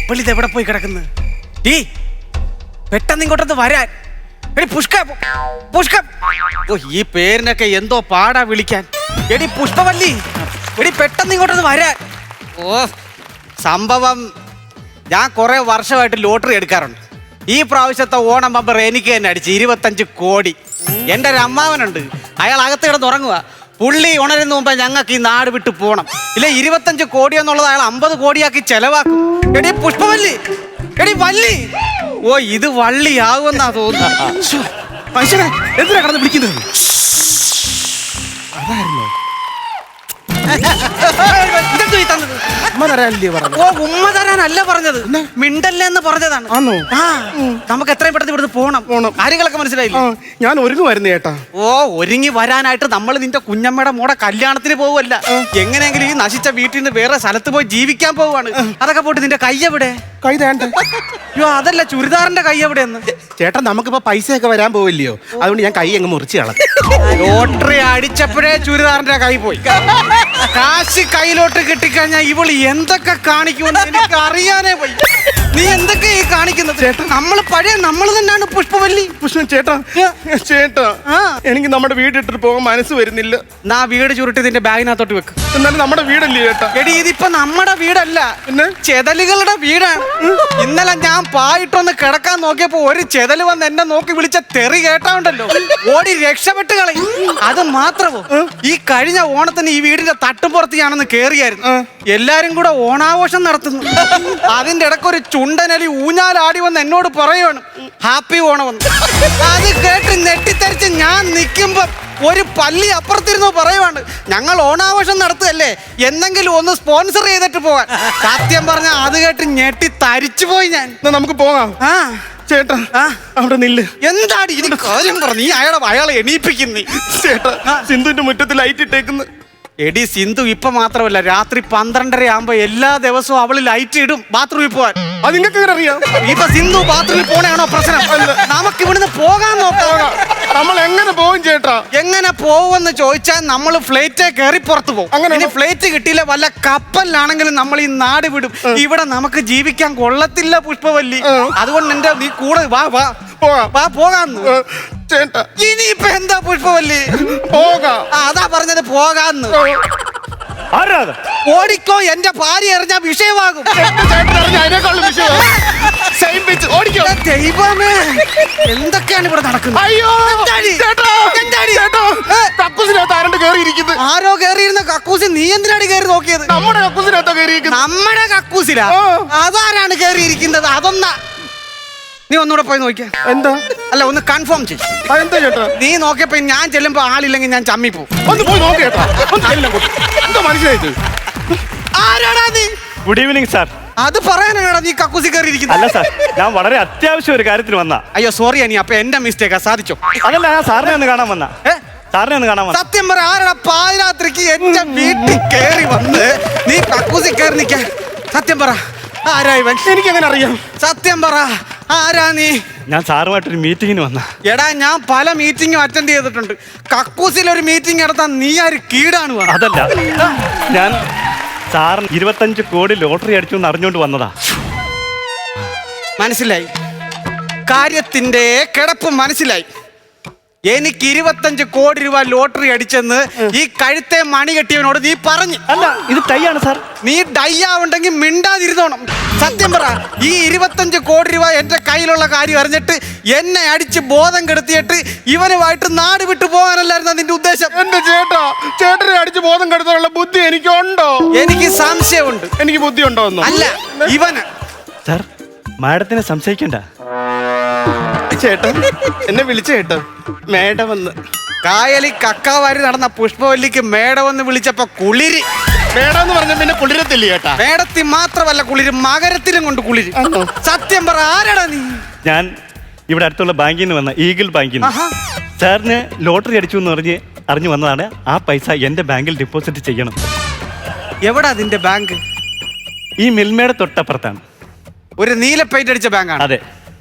ഇവളിത് എവിടെ പോയി കിടക്കുന്നു? ടീ പെട്ടെന്ന് ഇങ്ങോട്ടൊന്ന് വരാൻ. എടി പുഷ്ക പുഷ്ക. ഓ ഈ പേരിനൊക്കെ എന്തോ പാടാ വിളിക്കാൻ. എടി പുഷ്പവല്ലി, എടി പെട്ടെന്ന് ഇങ്ങോട്ടൊന്ന് വരാൻ. ഓ സംഭവം ഞാൻ കുറെ വർഷമായിട്ട് ലോട്ടറി എടുക്കാറുണ്ട്. ഈ പ്രാവശ്യത്തെ ഓണം ബമ്പർ എനിക്ക് തന്നെ അടിച്ച് 25 കോടി. എൻ്റെ ഒരു അമ്മാവനുണ്ട്, അയാൾ അകത്ത് കിടന്ന് ഉറങ്ങുക. പുള്ളി ഉണരുന്ന മുമ്പ് ഞങ്ങൾക്ക് ഈ നാട് വിട്ട് പോകണം. ഇല്ല 25 കോടി എന്നുള്ളത് അയാൾ 50 കോടിയാക്കി ചെലവാക്കും. എടി പുഷ്പവല്ലി, എടി വല്ലി. ഓ ഇത് വള്ളിയാകുമെന്നാ തോന്നുന്നു. മനുഷ്യനെ എന്തിനാ കടന്ന് വിളിക്കുന്നത്? അതായിരുന്നോ ഓ ഉമ്മ തരാനല്ല പറഞ്ഞത്, മിണ്ടല്ലേ എന്ന് പറഞ്ഞതാണ്. ആ നമുക്ക് എത്രയും പെട്ടെന്ന് ഇവിടുന്ന് പോണം. കാര്യങ്ങളൊക്കെ മനസ്സിലായില്ലേ? ഞാൻ ഒരുങ്ങുമായിരുന്നു ചേട്ടാ. ഓ ഒരുങ്ങി വരാനായിട്ട് നമ്മൾ നിന്റെ കുഞ്ഞമ്മയുടെ മോടെ കല്യാണത്തിന് പോവല്ല. എങ്ങനെയെങ്കിലും ഈ നശിച്ച വീട്ടിൽ നിന്ന് വേറെ സ്ഥലത്ത് പോയി ജീവിക്കാൻ പോവാണ്. അതൊക്കെ പോട്ട് നിന്റെ കൈ എവിടെ? കൈ തേണ്ട. അയ്യോ അതല്ല, ചുരിദാറിന്റെ കൈ എവിടെയെന്ന്. ചേട്ടാ നമുക്കിപ്പോ പൈസയൊക്കെ വരാൻ പോവില്ലയോ, അതുകൊണ്ട് ഞാൻ കൈ അങ്ങ് മുറിച്ച് കളഞ്ഞു. ലോട്ടറി അടിച്ചപ്പോഴേ ചുരിദാറിന്റെ കൈ പോയി. കാശ് കയ്യിലോട്ട് കിട്ടിക്കഴിഞ്ഞാൽ ഇവള് എന്തൊക്കെ കാണിക്കുമെന്ന് എനിക്ക് അറിയാനേ പോയി. നീ എന്തൊക്കെ ഈ കാണിക്കുന്നത്? ചേട്ടാ നമ്മൾ പഴയ നമ്മൾ തന്നെയാണ് പുഷ്പവല്ലി. ചേട്ടാ ചേട്ടാ എനിക്ക് നമ്മുടെ വീടിട്ടിട്ട് പോകാൻ മനസ്സ് വരുന്നില്ല. നാ വീട് ചുരുട്ടി നിന്റെ ബാഗിനകത്തോട്ട് വെക്ക്. എന്നാലും നമ്മുടെ വീടല്ലേ ചേട്ടാ? എടി ഇതിപ്പോ നമ്മുടെ വീടല്ല, പിന്നെ ചെതലുകളുടെ വീടാണ്. ഇന്നലെ ഞാൻ പായിട്ടൊന്ന് കിടക്കാൻ നോക്കിയപ്പോ ഒരു ചെതല് വന്ന് എന്നെ നോക്കി വിളിച്ച തെറി കേട്ടാണ്ടല്ലോ, ഓടി രക്ഷപ്പെട്ട് കളയും. അത് മാത്രമോ, ഈ കഴിഞ്ഞ ഓണത്തിന് ഈ വീടിന്റെ തട്ടുപുറത്ത് ഞാനൊന്ന് കേറിയായിരുന്നു. എല്ലാരും കൂടെ ഓണാഘോഷം നടത്തുന്നു. അതിന്റെ ഇടയ്ക്ക് ഒരു ചുണ്ടനലി ഊഞ്ഞാലാടി വന്ന് എന്നോട് പറയുവാണ് ഹാപ്പി ഓണമെന്ന്. അത് കേട്ട് നെട്ടിത്തരിച്ച് ഞാൻ നിൽക്കുമ്പോ ഒരു പല്ലി അപ്പുറത്തിരുന്നു പറയുവാണ് ഞങ്ങൾ ഓണാഘോഷം നടത്തുകയല്ലേ, എന്തെങ്കിലും ഒന്ന് സ്പോൺസർ ചെയ്തിട്ട് പോകാൻ. സത്യം പറഞ്ഞ അത് കേട്ട് ഞെട്ടി തരിച്ചു പോയി ഞാൻ. നമുക്ക് പോകാം. ചേട്ടാ അവിടെ നില്ല്. എന്താടി ഇതിന് കാര്യം പറഞ്ഞു? നീ അയാളെ എണീപ്പിക്കുന്നേ. ചേട്ടാ സിന്ധുവിന്റെ മുറ്റത്ത് ലൈറ്റ് ഇട്ടേക്കുന്നു. എടി സിന്ധു ഇപ്പൊ മാത്രമല്ല, രാത്രി 12:30 ആകുമ്പോ എല്ലാ ദിവസവും അവള് ലൈറ്റ് ഇടും ബാത്റൂമിൽ പോവാൻ. അത് നിങ്ങൾക്ക് എങ്ങനെ അറിയാം? ഇപ്പൊ സിന്ധു ബാത്റൂമിൽ പോണയാണോ പ്രശ്നം? നമുക്ക് ഇവിടുന്ന് പോകാൻ നോക്കാം. നമ്മൾ എങ്ങനെ പോകും ചേട്ടാ? എങ്ങനെ പോവെന്ന് ചോദിച്ചാൽ നമ്മൾ ഫ്ലൈറ്റേ കയറി പുറത്തു പോകും. അങ്ങനെ ഫ്ലൈറ്റ് കിട്ടിയില്ല വല്ല കപ്പലിലാണെങ്കിലും നമ്മൾ ഈ നാട് വിടും. ഇവിടെ നമുക്ക് ജീവിക്കാൻ കൊള്ളത്തില്ല പുഷ്പവല്ലി. അതുകൊണ്ട് എന്റെ നീ കൂടെ വാ വാ പോകാന്ന്. ചേട്ടാ ഇനിയിപ്പൊ എന്താ പുഷ്പവല്ലി? പോകാം. അതാ പറഞ്ഞത് പോകാന്ന്. ഓടിക്കോ, എന്റെ ഭാര്യ എറിഞ്ഞ വിഷയമാകും. ദൈവമേ എന്തൊക്കെയാണ് ഇവിടെ നടക്കുന്നത്? അയ്യോ ആരോ കേറിയിരുന്ന കക്കൂസിൽ നീ എന്തിനാണ് കേറി നോക്കിയത്? നമ്മുടെ കക്കൂസിനകത്താ കേറിയിരിക്കുന്നത്. നമ്മുടെ കക്കൂസിലാ? അതാരാണ് കേറിയിരിക്കുന്നത്? അതൊന്നാ നീ ഒന്നുകൂടെ പോയി നോക്കിയാ. എന്താ? അല്ല ഒന്ന് കൺഫേം ചെയ്യും. എന്താ ചേട്ടാ? നീ നോക്കിയപ്പോ ഞാൻ ചെല്ലുമ്പോ ആളില്ലെങ്കിൽ ഞാൻ ചമ്മി പോവും. ഒന്ന് പോയി നോക്കേട്ടാ. എന്താ മനസ്സിലായത്? ആരാടാ നീ? Good evening sir. അത് പറയാനാണ് നീ കക്കൂസി കയറിയിരിക്കുന്നത്? അല്ല സാർ, ഞാൻ വളരെ അത്യാവശ്യം ഒരു കാര്യത്തിന് വന്ന. അയ്യോ സോറി അനി, അപ്പൊ എന്റെ മിസ്റ്റേക്കാ. സാധിച്ചോ? അതല്ല, ഞാൻ സാറിനെ ഒന്ന് കാണാൻ വന്ന. സാറിനെ ഒന്ന് കാണാൻ വന്ന. സത്യം പറ, ആരാടാ പാതിരാത്രിക്ക് എന്റെ വീട്ടിൽ കയറി വന്ന് നീ കക്കൂസി കയറി നിൽക്കാൻ? സത്യം പറ, ആരാ ഇവൻ? എനിക്ക് എങ്ങനെ അറിയാം? സത്യം പറ, ആരാ നീ? ഞാൻ സാറുമായിട്ടൊരു മീറ്റിങ്ങിന് വന്ന. എടാ ഞാൻ പല മീറ്റിങ്ങും അറ്റൻഡ് ചെയ്തിട്ടുണ്ട്. കക്കൂസിൽ ഒരു മീറ്റിംഗ് നടത്താൻ നീ ആര് കീടാണ്? അതല്ല, ഞാൻ സാറിന് 25 കോടി ലോട്ടറി അടിച്ചു എന്ന് അറിഞ്ഞുകൊണ്ട് വന്നതാ. മനസ്സിലായി, കാര്യത്തിന്റെ കിടപ്പ് മനസ്സിലായി. എനിക്ക് 25 കോടി രൂപ ലോട്ടറി അടിച്ചെന്ന് ഈ കഴുത്തെ മണി കെട്ടിയവനോട് നീ പറഞ്ഞു. അല്ല, ഇത് ടൈയാണ് സാർ. നീ ഡൈ ആവുണ്ടെങ്കിൽ മിണ്ടാതിരുന്നോണം. സത്യം പറ, ഈ 25 കോടി രൂപ എന്റെ കയ്യിലുള്ള കാര്യം അറിഞ്ഞിട്ട് എന്നെ അടിച്ച് ബോധം കെടുത്തിയിട്ട് ഇവനുമായിട്ട് നാട് വിട്ടു പോകാനല്ലായിരുന്നു നിന്റെ ഉദ്ദേശം? എന്റെ ചേട്ടനെ അടിച്ച് ബോധം കെടുത്താനുള്ള ബുദ്ധി എനിക്കുണ്ടോ? എനിക്ക് സംശയമുണ്ട്. എനിക്ക് ബുദ്ധി ഉണ്ടോ? അല്ല ഇവന്. സാർ, മാഡത്തിനെ സംശയിക്കണ്ട. ചേട്ടൻ എന്നെ വിളിച്ച ചേട്ടാ മേഡം വന്ന്. കായലി കക്കാവാരി നടന്ന പുഷ്പവല്ലിക്ക് മേടമെന്ന് വിളിച്ചപ്പോ കുളിരി. മേഡം പറഞ്ഞ പിന്നെ കുളിരത്തില്ല ചേട്ടാ. മേടത്തിൽ മാത്രമല്ല കുളിര്, മകരത്തിലും കൊണ്ട് കുളിര്. സത്യം പറ, ആരാടാ നീ? ഞാൻ ഇവിടെ അടുത്തുള്ള ബാങ്കിൽ നിന്ന് വന്ന, ഈഗിൾ ബാങ്കിൽ നിന്ന്. സാറിന് ലോട്ടറി അടിച്ചു എന്ന് അറിഞ്ഞു വന്നതാണ്. ആ പൈസ എന്റെ ബാങ്കിൽ ഡെപ്പോസിറ്റ് ചെയ്യണം. എവിടാ അതിന്റെ ബാങ്ക്? ഈ മിൽമയുടെ തൊട്ടപ്പുറത്താണ്. ഒരു നീല പെയിന്റ് അടിച്ച ബാങ്കാണ്? അതെ.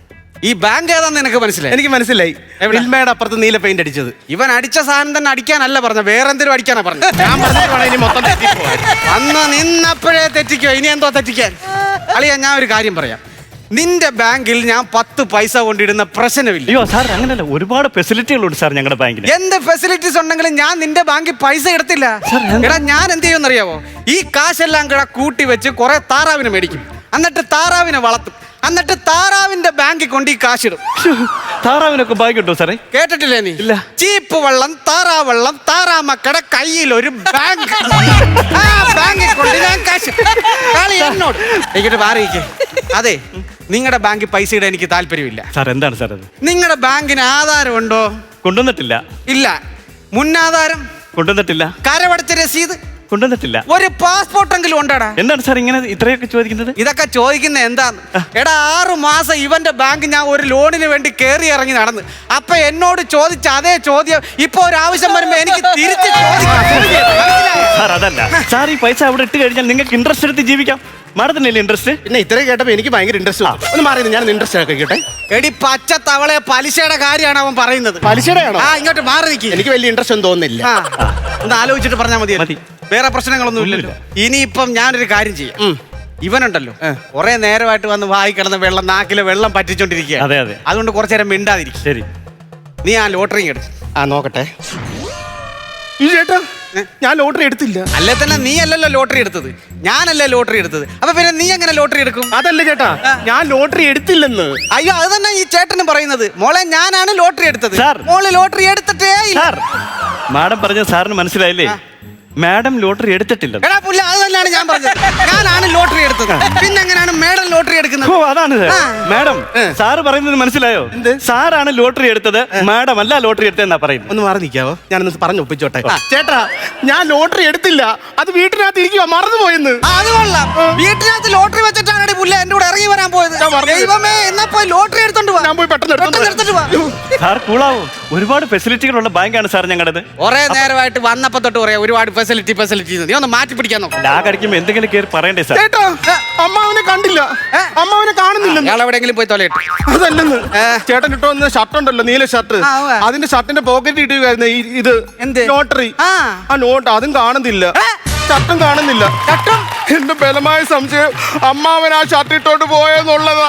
ഈ ബാങ്ക് ഏതാന്ന് നിനക്ക് മനസ്സിലായി? എനിക്ക് മനസ്സിലായി. എവിടെ? മിൽമയുടെ അപ്പുറത്ത് നീല പെയിന്റ് അടിച്ചത്. ഇവൻ അടിച്ച സാധനം തന്നെ അടിക്കാനല്ല പറഞ്ഞ, വേറെ എന്തെങ്കിലും അടിക്കാനാ പറഞ്ഞ. ഞാൻ പറഞ്ഞിട്ട് ഇനി മൊത്തം തെറ്റിപ്പോവാൻ. അന്ന് നിന്നപ്പോഴേ തെറ്റിക്കോ, ഇനി എന്തോ തെറ്റിക്കാൻ? അളിയാ, ഞാൻ ഒരു കാര്യം പറയാം. നിന്റെ ബാങ്കിൽ ഞാൻ 10 പൈസ കൊണ്ടിടുന്ന പ്രശ്നമില്ല. അയ്യോ സാർ, അങ്ങനല്ല, ഒരുപാട് ഫെസിലിറ്റികളുണ്ട് സാർ ഞങ്ങളുടെ ബാങ്കിന്. എന്ത് ഫെസിലിറ്റീസ് ഉണ്ടെങ്കിലും ഞാൻ നിന്റെ ബാങ്കിൽ പൈസ എടുത്തില്ല. എടാ, ഞാൻ എന്ത് ചെയ്യുമെന്ന് അറിയാവോ? ഈ കാശെല്ലാം കൂടെ കൂട്ടി വെച്ച് കുറെ താറാവിനെ മേടിക്കും, എന്നിട്ട് താറാവിനെ വളർത്തും, എന്നിട്ട് താറാവിന്റെ ബാങ്കിൽ കൊണ്ട് ഈ കാശിടും. താറാവിനൊക്കെ ബാങ്ക് കിട്ടുമോ സാറേ? കേട്ടിട്ടില്ലേ നീ? ഇല്ല. ചീപ്പ് വെള്ളം, താറാവെള്ളം, താറാമക്കടെ കയ്യിൽ ഒരു ബാങ്ക്. ആ ബാങ്കിൽ കൊണ്ട് ഞാൻ കാശ് കളി എന്നോട് എനിക്കിട്ട് മാറിയിക്കേ. അതെ, നിങ്ങളുടെ ബാങ്കിൽ പൈസ ഇടാൻ എനിക്ക് താല്പര്യമില്ല. സാർ എന്താണ് സാർ അത്? നിങ്ങളുടെ ബാങ്കിന് ആധാരം ഉണ്ടോ? കൊണ്ടുവന്നിട്ടില്ല. ഇല്ല. മുന്നാധാരം? കൊണ്ടുവന്നിട്ടില്ല. കരവടച്ച രസീത്? കൊണ്ടുവന്നിട്ടില്ല. ഒരു പാസ്പോർട്ടെങ്കിലും ഉണ്ടാടാ? എന്താണ് സാർ ഇങ്ങനെ ഇത്രയൊക്കെ ചോദിക്കുന്നത്? ഇതൊക്കെ ചോദിക്കുന്നത് എന്താന്ന്? എടാ, 6 മാസം ഇവന്റെ ബാങ്ക് ഞാൻ ഒരു ലോണിന് വേണ്ടി കയറി ഇറങ്ങി നടന്ന്. അപ്പൊ എന്നോട് ചോദിച്ച അതേ ചോദ്യം ഇപ്പൊ ഒരു ആവശ്യം വരുമ്പോ എനിക്ക് തിരിച്ച് ചോദിക്കാം. സാർ അതല്ല സാർ, ഈ പൈസ അവിടെ ഇട്ട് കഴിഞ്ഞാൽ നിങ്ങൾക്ക് ഇൻട്രസ്റ്റ് എടുത്ത് ജീവിക്കാം. മാഡത്തിനല്ലേ ഇൻട്രസ്റ്റ്? പിന്നെ ഇത്രയും കേട്ടപ്പോ എനിക്ക് ഭയങ്കര ഇൻട്രസ്റ്റ്. ഒന്ന് മാറി, ഞാൻ ഇൻട്രസ്റ്റ് ആക്കി കേട്ടെ. എടി പച്ച തവളെ, പലിശയുടെ കാര്യമാണ് അവൻ പറയുന്നത്. പലിശയുടെ ആണോ? ആ, ഇങ്ങോട്ട് മാറി നിൽക്കി. എനിക്ക് വലിയ ഇൻട്രസ്റ്റ് ഒന്നും തോന്നുന്നില്ല. ഒന്ന് ആലോചിച്ചിട്ട് പറഞ്ഞാൽ മതി. മതി. വേറെ പ്രശ്നങ്ങളൊന്നും ഇല്ലല്ലോ. ഇനിയിപ്പം ഞാനൊരു കാര്യം ചെയ്യാം. ഇവനുണ്ടല്ലോ, കുറെ നേരമായിട്ട് വന്ന് വായി കിടന്ന വെള്ളം, നാക്കിലെ വെള്ളം പറ്റിച്ചോണ്ടിരിക്കുക. അതെ അതെ. അതുകൊണ്ട് കുറച്ചു നേരം മിണ്ടാതിരിക്കും. ശരി. നീ ആ ലോട്ടറി എടുക്കും. നോക്കട്ടെ. ഈ ചേട്ടാ, ഞാൻ ലോട്ടറി എടുത്തില്ല. അല്ലേ തന്നെ നീ അല്ലല്ലോ ലോട്ടറി എടുത്തത്, ഞാനല്ലേ ലോട്ടറി എടുത്തത്. അപ്പൊ പിന്നെ നീ എങ്ങനെ ലോട്ടറി എടുക്കും? അതല്ല ചേട്ടാ, ഞാൻ ലോട്ടറി എടുത്തില്ലെന്ന്. അയ്യോ, അത് തന്നെ ഈ ചേട്ടനും പറയുന്നത്. മോളെ, ഞാനാണ് ലോട്ടറി എടുത്തത്. സാർ. മോള് ലോട്ടറി എടുത്തിട്ടേ ഇല്ല. സാർ, മാഡം പറഞ്ഞ സാറിന് മനസ്സിലായില്ലേ? മാഡം ലോട്ടറി എടുത്തിട്ടില്ല. എടാ പുല്ല, അത് തന്നെയാണ് ഞാൻ പറഞ്ഞത്. ഞാനാണ് ലോട്ടറി എടുത്തത്. പിന്നെ എങ്ങനെയാണ് മേഡം ലോട്ടറി എടുക്കുന്നത്? ഓ, അതാണ് മാഡം. സാറ് പറയുന്നത് മനസ്സിലായോ? സാറാണ് ലോട്ടറി എടുത്തത്, മാഡം അല്ല ലോട്ടറി എടുത്തതെന്നാ പറയുന്നത്. ഒന്ന് മാറി നിൽക്കാവോ? ഞാനൊന്ന് പറഞ്ഞു ഒപ്പിച്ചോട്ടെ. ചേട്ടാ, ഞാൻ ലോട്ടറി എടുത്തില്ല, അത് വീട്ടിനകത്ത് ഇരിക്കുവാ, മറന്നുപോയെന്ന്. അത് കൊള്ളാം. വീട്ടിനകത്ത് ലോട്ടറി വെച്ചിട്ടാണ് പുല്ല എന്റെ കൂടെ ഇറങ്ങി വരാൻ പോയത്. ദൈവമേ, എന്നാ പോയി ലോട്ടറി എടുത്തോണ്ട് വാ. ഞാൻ പോയി പെട്ടെന്ന് എടുത്തോണ്ട് വാ. സാർ കൂളാവും. ഒരുപാട് ഫെസിലിറ്റികളുള്ള ബാങ്കാണ് സാർ ഞങ്ങളുടേത്. കുറെ നേരമായിട്ട് വന്നപ്പോ തൊട്ട് പറയാം ഒരുപാട് ഫെസിലിറ്റി. നീ ഒന്ന് മാറ്റി പിടിക്കാൻ നോക്കാം. ലാഗടിക്കുമ്പോ എന്തെങ്കിലും കയറി പറയണ്ടേ സാർ? ചേട്ടാ, അമ്മാവനെ കണ്ടില്ല, അമ്മാവനെ കാണുന്നില്ല. അയാൾ എവിടെയെങ്കിലും പോയി തൊലയിട്ട്. അതല്ലെന്ന്, ചേട്ടൻ ഇട്ടോ വന്ന ഷർട്ട് ഉണ്ടല്ലോ, നീല ഷർട്ട്, അതിന്റെ ഷർട്ടിന്റെ പോക്കറ്റ് ഇട്ടുകയായിരുന്നു ഇത് എന്ത് ലോട്ടറി. ആ നോട്ട് അതും കാണുന്നില്ല, ഷർട്ടും കാണുന്നില്ല. എന്റെ ബലമായ സംശയം അമ്മാവൻ ആ ഷർട്ട് ഇട്ടോണ്ട് പോയെന്നുള്ളതാ.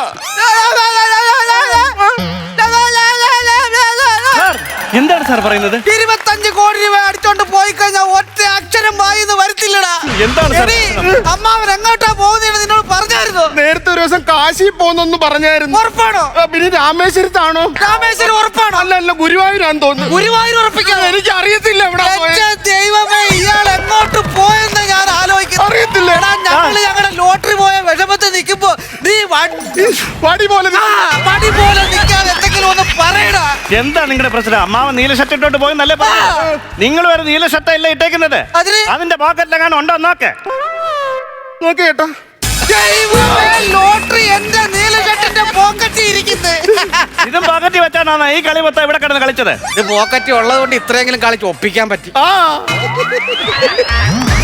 എന്താണ് സാർ പറയുന്നത്? 25 കോടി രൂപ അടിച്ചോണ്ട് പോയി കഴിഞ്ഞാൽ ഒറ്റ അക്ഷരം വായിന്ന് വരത്തില്ലടാ. എന്താണ് സാർ? അമ്മാവൻ എങ്ങോട്ടാ പോകുന്നത് നിന്നോട് പറഞ്ഞായിരുന്നു? നേരത്തെ ഒരു ദിവസം കാശി പോന്നൊന്ന് പറഞ്ഞായിരുന്നു. ഉറപ്പാണോ? പിന്നെ രാമേശ്വരത്താണോ? രാമേശ്വരം ഉറപ്പാണോ? അല്ല, ഗുരുവായൂരാന്ന് തോന്നുന്നു. ഗുരുവായൂർ ഉറപ്പിക്കാൻ എനിക്ക് അറിയത്തില്ല എവിടെ പോയത്. ദൈവമേ, ഇയാൾ എങ്ങോട്ട് പോയെന്ന് ഞാൻ ആലോചിക്കുന്നു. അറിയത്തില്ല. ഞങ്ങളുടെ ലോട്ടറി പോയ വിഷമത്തിൽ നിൽക്കുമ്പോ നീ വടി പോലെ വടി പോലെ നിൽക്കാതെ എന്തെങ്കിലും ഒന്ന് പറയടാ. എന്താ നിങ്ങളുടെ പ്രശ്നം? അമ്മാവൻ നീല ഷർട്ട് ഇട്ടോട്ട് പോയി നല്ല നിങ്ങൾ വരെ നീല ഷർട്ട് അല്ല ഇട്ടേക്കുന്നത്. അതിന്റെ പോക്കറ്റിലെങ്ങാനും ഉണ്ടോ നോക്കേ ചേട്ടാ. ലോട്ടറി എന്റെ നീല ഷർട്ടിന്റെ പോക്കറ്റിൽ ഇരിക്കുന്നത്. ഇതും പോക്കറ്റിൽ വെച്ചാണ് ഈ കളി മൊത്തം ഇവിടെ കിടന്ന് കളിച്ചത്. ഇത് പോക്കറ്റ് ഉള്ളത് കൊണ്ട് ഇത്രയെങ്കിലും കളിച്ച് ഒപ്പിക്കാൻ പറ്റി.